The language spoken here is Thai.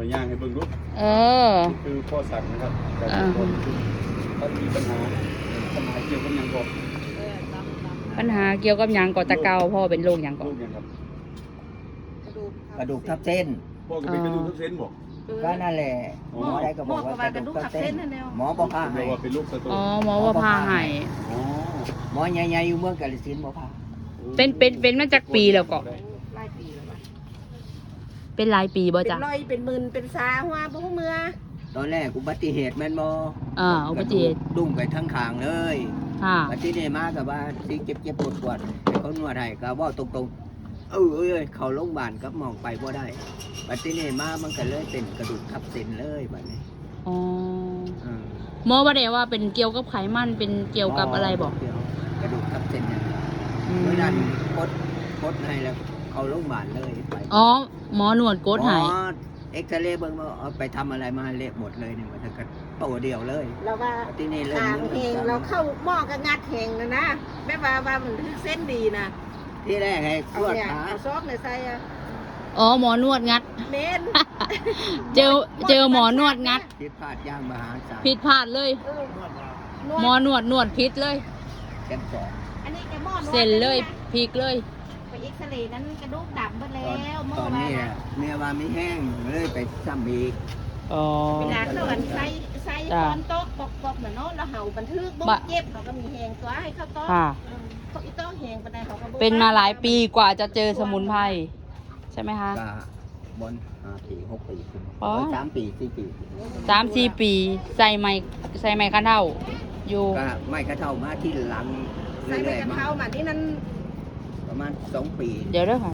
ย่างให้เบิ่งลูกคือพ่อสั่งนะครับแต่คนถ้ามีปัญหาเกี่ยวกับยังก่อนปัญหาเกี่ยวกับหยังก่อตะเกาพ่อเป็นโรคหยังก่อนกระดูกทับเส้นพ่อก็เป็นกระดูกทับเส้นบอกก็นั่นแหละหมอได้ก็บอกว่ากระดูกทับเส้นหมอบอกพาให้ว่าเป็นลูกสตูอ๋อหมอว่าพาให้อ๋อหมอใหญ่ๆอยู่เมืองกาฬสินธุ์บอกพาเป็นมาจากปีแล้วก็หลายปีแล้วว่ะเป็นหลายปีบ่เป็นจ้ะร้อยเป็นหมื่นเป็นสาหัวบ่ฮู้เมื่อตอนแรกอุบัติเหตุแม่นบ่อุบัติเหตุดุ้งไปทั้งขางเลยค่ะบัดนี้มากับว่าสิเจ็บปวดให้เขานวดให้ก็เว้าตรงๆเอ้ยเขาโรงพยาบาลกับมองไปบ่ได้บัดนี้มามันก็เลยเป็นกระดูกทับเส้นเลยบัดนี้อ๋ออืมหมอว่าได้ว่าเป็นเกี่ยวกับไขมันเป็นเกี่ยวกับอะไรบอกกระดูกทับเส้นเนี่ยอืมเมื่อนั้นกดให้แล้วเขาโรงพยาบาลเลยไปอ๋อหมอหนวดโกดใหายหมอเอ็กซเรย์เบิ่งว่าเอาไปทำอะไรมาเละหมดเลยเนี่ยมันจะกระโตเดียวเลยเราว่าที่นี่เริ่มทางเฮงเราเข้าหม้อก็งัดเฮงนะแบบว่ามันคือเส้นดีนะที่แรกให้เอานวดเนี่ยขาเอาซอกเนี่ยใส่อะอ๋อหมอนวดงัดเมนเจอหมอนวดงัดผิดพลาดอย่างมหาศาลผิดพลาดเลยเออหมอนวดผิดเลยแกันสองอันนี้แกหม้อนวดเส้นเลยพลิกเลยไปเอ็กซเรย์นั้นกระดูกดำหมดแล้ตอนวหม้ตออนว่านี้นะเมียว่าไม่แห้งเลยไปซ้ำอีกอ๋อเวลาเขาอันใส่คอนโต๊ะปอกๆเหมือนเนาะแล้วเห่าบันทึกบุกเจ็บเขาก็มีแหงตัวให้เข้าโต๊ะค่ะเขาอีโต๊ะแหงปานใดเขาก็บ่เป็นมาหลายปีกว่าจะเจอสมุนไพรใช่ไหมคะก็บน5 ปี 6 ปีขึ้นอ๋อ 3 ปี 4 ปี 3-4 ปีใส่ไม้คันเท่าอยู่ก็ไม่กระเท่ามาที่หลังใส่ไปเรื่อยกันๆมาเท้ามานี่นั่นประมาณ2 ปีเดี๋ยวเด้อค่ะ